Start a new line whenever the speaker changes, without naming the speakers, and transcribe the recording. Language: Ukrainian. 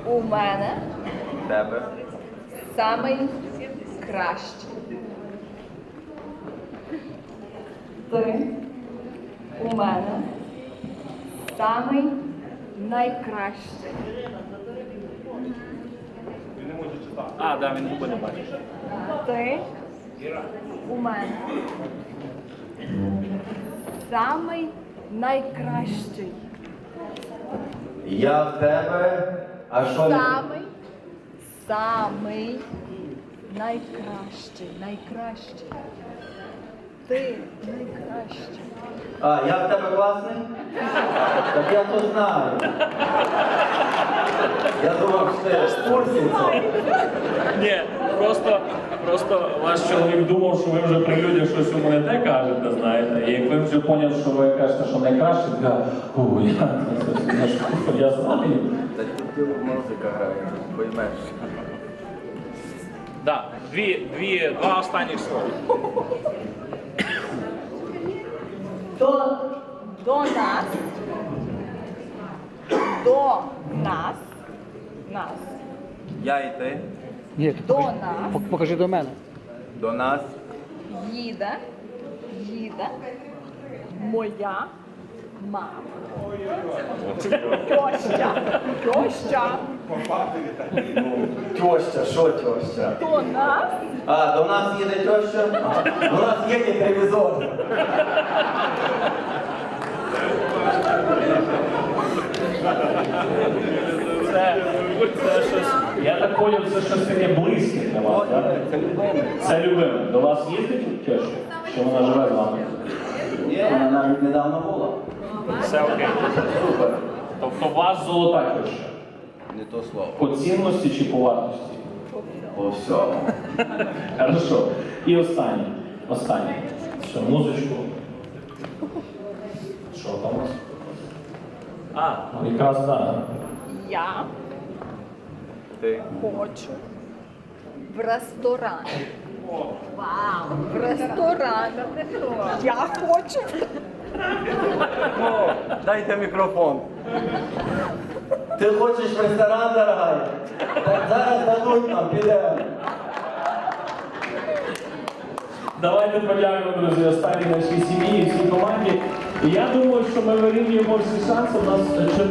У мене
Тебе.
самий кращий. Ти у мене самий найкращий.
А, да, він губи не бачиш.
Ти у мене самий найкращий.
Я в тебе. А що не?
Самий найкращий. Найкращий. Ти найкращий.
А, я в тебе класний? Так я то знаю. Я думав, що ти в курсі цього.
Ні, просто ваш чоловік думав, що ви вже при людях щось йому не те кажете, знаєте. І як ви вже поняли, що ви кажете, що найкраще, то я знаю.
Та тут музика грає, поймеш.
Да, два останніх слова.
До нас,
Я і ти.
Ні, ти
до
покажи,
нас
покажи до мене.
До нас.
їде моя мама. Тьоща.
Тьоща, що тьоща?
До нас
А, до нас їде тьоща? До нас їде телевізор.
Це щось, я так поняв, це щось таке близьке для вас, так?
Це любиме.
Це любиме. До вас їздить теща? Чи вона живе з вами?
Ні, вона навіть недавно була.
Все окей.
Супер.
Тобто у вас золота теща?
Не то слово.
По цінності чи по вартості?
По всьому.
Хорошо. І останнє. Що, музичку? Що там у вас? А, ну якраз так.
я
Ти.
хочу в ресторан. Вау! В ресторан. Я хочу.
О, дайте мікрофон. Ти хочеш в ресторан, дорогая? Так зараз дадуть нам, підемо.
Давайте подякуємо, друзі, останній нашій сім'ї і всій команді. І я думаю, що ми вирівнюємо всі шанси. У нас